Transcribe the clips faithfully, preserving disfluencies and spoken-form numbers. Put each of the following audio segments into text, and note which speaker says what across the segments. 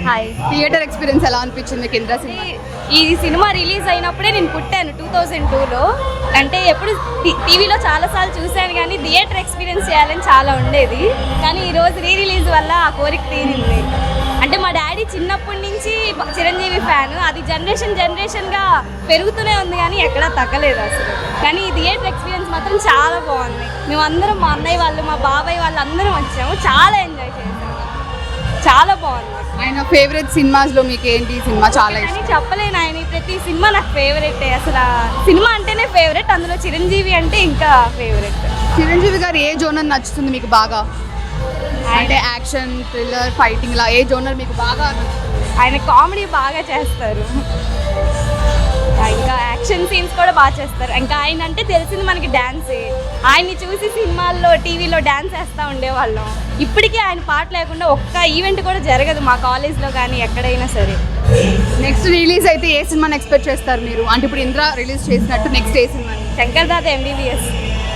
Speaker 1: Hi.
Speaker 2: Theatre experience ఎలా అనిపించింది మీకు ఇంద్ర సినిమా?
Speaker 1: ఈ సినిమా రిలీజ్ అయినప్పుడే నేను పుట్టాను టూ థౌజండ్ టూలో. అంటే ఎప్పుడు టీవీలో చాలాసార్లు చూశాను కానీ థియేటర్ ఎక్స్పీరియన్స్ చేయాలని చాలా ఉండేది. కానీ ఈరోజు రీ రిలీజ్ వల్ల ఆ కోరిక తీరింది. అంటే మా డాడీ చిన్నప్పటి నుంచి చిరంజీవి ఫ్యాన్, అది జనరేషన్ జనరేషన్గా పెరుగుతూనే ఉంది కానీ ఎక్కడా తగ్గలేదు అసలు. కానీ ఈ థియేటర్ ఎక్స్పీరియన్స్ మాత్రం చాలా బాగుంది. మేమందరం మా అన్నయ్య వాళ్ళు మా బాబాయ్ వాళ్ళు అందరం వచ్చాము, చాలా ఎంజాయ్ చేసాము, చాలా బాగుంది.
Speaker 2: ఆయన ఫేవరెట్ సినిమాస్లో మీకు ఏంటి సినిమా చాలా
Speaker 1: అని చెప్పలేను. ఆయన ప్రతి సినిమా నాకు ఫేవరెట్. అసలు సినిమా అంటేనే ఫేవరెట్, అందులో చిరంజీవి అంటే ఇంకా ఫేవరెట్.
Speaker 2: చిరంజీవి గారు ఏ జోనర్ నచ్చుతుంది మీకు బాగా? అంటే యాక్షన్, థ్రిల్లర్, ఫైటింగ్ లా ఏ జోనర్ మీకు బాగా?
Speaker 1: ఆయన కామెడీ బాగా చేస్తారు, ఇంకా యాక్షన్ సీన్స్ కూడా బాగా చేస్తారు. ఇంకా ఆయన అంటే తెలిసింది మనకి డ్యాన్సే. ఆయన్ని చూసి సినిమాల్లో టీవీలో డ్యాన్స్ వేస్తూ ఉండేవాళ్ళం. ఇప్పటికీ ఆయన పాట లేకుండా ఒక్క ఈవెంట్ కూడా జరగదు మా కాలేజ్లో కానీ ఎక్కడైనా సరే.
Speaker 2: నెక్స్ట్ రిలీజ్ అయితే ఏ సినిమాని ఎక్స్పెక్ట్ చేస్తారు మీరు? అంటే ఇప్పుడు ఇంద్ర రిలీజ్ చేసినట్టు నెక్స్ట్ ఏ సినిమా?
Speaker 1: శంకర్ దాదా ఎంబీబీఎస్.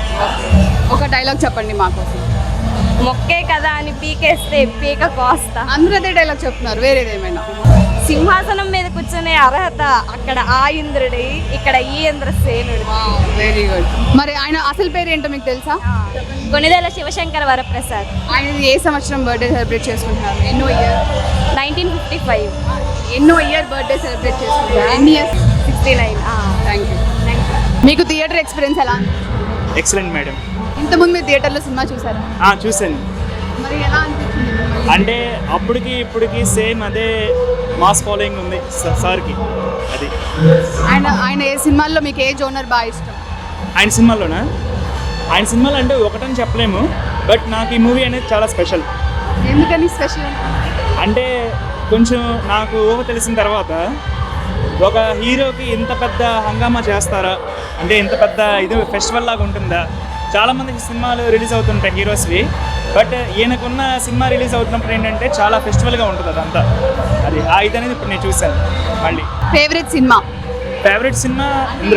Speaker 2: ఒక డైలాగ్ చెప్పండి మాకోసం.
Speaker 1: మొక్కే కదా అని పీకేస్తే పీక కోస్తా.
Speaker 2: అందరూ అదే డైలాగ్ చెప్తున్నారు, వేరేది ఏమైనా?
Speaker 1: సింహాసనం మీద కూర్చునే అర్హత అక్కడ ఆ ఇంద్రుడి, ఇక్కడ ఈ ఇంద్రసేనుడి.
Speaker 2: Very good. మరి ఆయన అసలు పేరు ఏంటో మీకు తెలుసా?
Speaker 1: కొనిదెల శివశంకర వరప్రసాద్.
Speaker 2: ఆయన ఏ సంవత్సరం బర్త్డే సెలబ్రేట్ చేసుకుంటున్నారు? ఎన్నో ఇయర్?
Speaker 1: Nineteen fifty five.
Speaker 2: ఎన్నో ఇయర్ బర్త్డే సెలబ్రేట్ చేసుకుంటున్నారు? ఎన్ని years?
Speaker 1: Sixty nine.
Speaker 2: Thank you. మీకు థియేటర్ ఎక్స్పీరియన్స్ ఎలా?
Speaker 3: Excellent madam.
Speaker 2: ఇంతకుముందు మీరు థియేటర్లో సినిమా చూసారా?
Speaker 3: చూసాను.
Speaker 2: మరి ఎలా అనిపించింది?
Speaker 3: అంటే అప్పటికి ఇప్పటికి సేమ్ అదే మాస్ ఫాలోయింగ్ ఉంది సార్కి. అది
Speaker 2: ఆయన ఆయన ఏ సినిమాల్లో మీకు ఏ జోనర్ బాగా ఇష్టం?
Speaker 3: ఆయన సినిమాలోనా? ఆయన సినిమాలు అంటే ఒకటని చెప్పలేము, బట్ నాకు ఈ మూవీ అనేది చాలా స్పెషల్.
Speaker 2: ఎందుకని స్పెషల్? అంటే
Speaker 3: కొంచెం నాకు ఊహ తెలిసిన తర్వాత ఒక హీరోకి ఇంత పెద్ద హంగామా చేస్తారా, అంటే ఇంత పెద్ద ఇది ఫెస్టివల్ లాగా ఉంటుందా? చాలామందికి సినిమాలు రిలీజ్ అవుతుంటాయి హీరోస్వి, బట్ ఈయనకున్న సినిమా రిలీజ్ అవుతున్నప్పుడు ఏంటంటే చాలా ఫెస్టివల్గా ఉంటుంది అదంతా. అది ఆ ఇది అనేది ఇప్పుడు నేను చూశాను. మళ్ళీ
Speaker 2: ఫేవరెట్ సినిమా?
Speaker 3: ఫేవరెట్ సినిమా ఇంద్ర.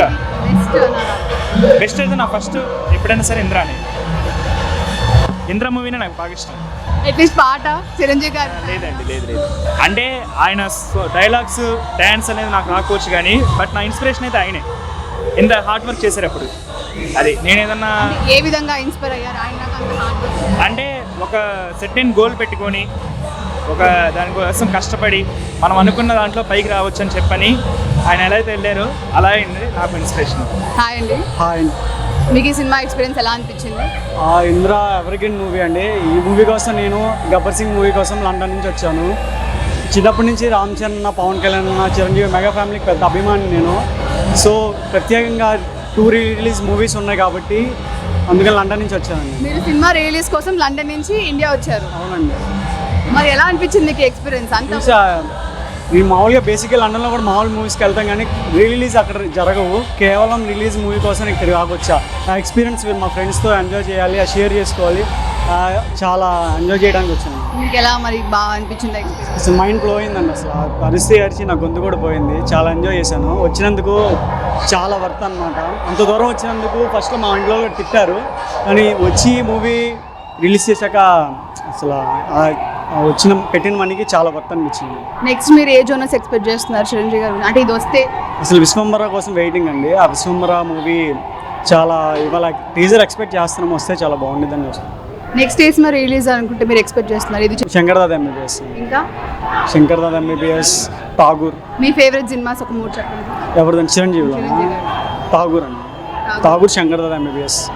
Speaker 3: బెస్ట్ అయితే నా ఫస్ట్ ఎప్పుడైనా సరే ఇంద్ర అని. ఇంద్ర మూవీనే నాకు బాగా ఇష్టం.
Speaker 2: అట్లీస్ట్ పాట చిరంజీవి గారు?
Speaker 3: లేదండి, లేదు లేదు. అంటే ఆయన డైలాగ్స్, డ్యాన్స్ అనేది నాకు రాకపోవచ్చు కానీ, బట్ నా ఇన్స్పిరేషన్ అయితే ఆయనే. ఇంత హార్డ్ వర్క్ చేశారు అప్పుడు. అది నేను ఏదన్నా
Speaker 2: ఏ విధంగా ఇన్స్పైర్ అయ్యారు ఆయన?
Speaker 3: అంటే ఒక సెర్టైన్ గోల్ పెట్టుకొని ఒక దానికోసం కష్టపడి మనం అనుకున్న దాంట్లో పైకి రావచ్చు అని చెప్పని ఆయన ఎలా అయితే వెళ్ళారో అలా అయింది నాకు ఇన్స్పిరేషన్.
Speaker 2: హాయ్ అండి.
Speaker 4: హాయ్ అండి.
Speaker 2: మీకు ఈ సినిమా ఎక్స్పీరియన్స్ ఎలా అనిపించింది?
Speaker 4: ఇంద్ర ఎవర్గ్రీన్ మూవీ అండి. ఈ మూవీ కోసం నేను గబ్బర్ సింగ్ మూవీ కోసం లండన్ నుంచి వచ్చాను. చిన్నప్పటి నుంచి రామ్ చరణ్, పవన్ కళ్యాణ్, చిరంజీవి మెగా ఫ్యామిలీకి పెద్ద అభిమాని నేను. సో ప్రత్యేకంగా టూ రిలీజ్ మూవీస్ ఉన్నాయి కాబట్టి అందుకని లండన్ నుంచి వచ్చానండి.
Speaker 2: మీరు సినిమా రిలీజ్ కోసం లండన్ నుంచి ఇండియా వచ్చారు?
Speaker 4: అవునండి.
Speaker 2: మరి ఎలా అనిపించింది మీకు ఎక్స్పీరియన్స్? అంతా
Speaker 4: నేను మామూలుగా బేసిక్గా లండన్లో కూడా మామూలు మూవీస్కి వెళ్తాం కానీ రిలీజ్ అక్కడ జరగవు. కేవలం రిలీజ్ మూవీ కోసం ఇక్కడ కాకొచ్చా. ఆ ఎక్స్పీరియన్స్ మా ఫ్రెండ్స్తో ఎంజాయ్ చేయాలి, షేర్ చేసుకోవాలి, చాలా ఎంజాయ్ చేయడానికి వచ్చాను.
Speaker 2: మీకు ఎలా మరి బాగా అనిపించింది ఎక్స్పీరియన్స్?
Speaker 4: అసలు మైండ్ బ్లో అయిందండి. అసలు అరిస్తే అరిచి నా గొంతు కూడా పోయింది. చాలా ఎంజాయ్ చేశాను. వచ్చినందుకు చాలా వర్త్ అనమాట. అంత దూరం వచ్చినందుకు ఫస్ట్లో మా ఇంట్లో కూడా తిట్టారు, కానీ వచ్చి మూవీ రిలీజ్ చేశాక అసలు వచ్చిన పెట్టిన మనకి చాలా వర్త్ అనిపించింది.
Speaker 2: నెక్స్ట్ మీరు ఏ జోనర్స్ ఎక్స్పెక్ట్ చేస్తున్నారు చిరంజీవి గారు? అంటే ఇది వస్తే
Speaker 4: అసలు విశ్వంబర కోసం వెయిటింగ్ అండి. ఆ విశ్వంబర మూవీ చాలా ఇవాళ టీజర్ ఎక్స్పెక్ట్ చేస్తున్నాం, వస్తే చాలా బాగుంటుందని చూస్తాం.
Speaker 2: నెక్స్ట్ ఏ సినిమా రిలీజ్ అనుకుంటే మీరు ఎక్స్పెక్ట్ చేస్తున్నారు? ఇది
Speaker 4: శంకర్ దాదా ఎంబీబీఎస్.
Speaker 2: ఇంకా
Speaker 4: శంకర్ దాదా ఎంబీబీఎస్, ఠాగూర్.
Speaker 2: మీ ఫేవరెట్ సినిమాస్ ఒక మూడు చెప్పండి.
Speaker 4: ఎవరిదండి? చిరంజీవిలో ఠాగూర్ అండి. ఠాగూర్ శంకర్ దాదా ఎంబీబీఎస్.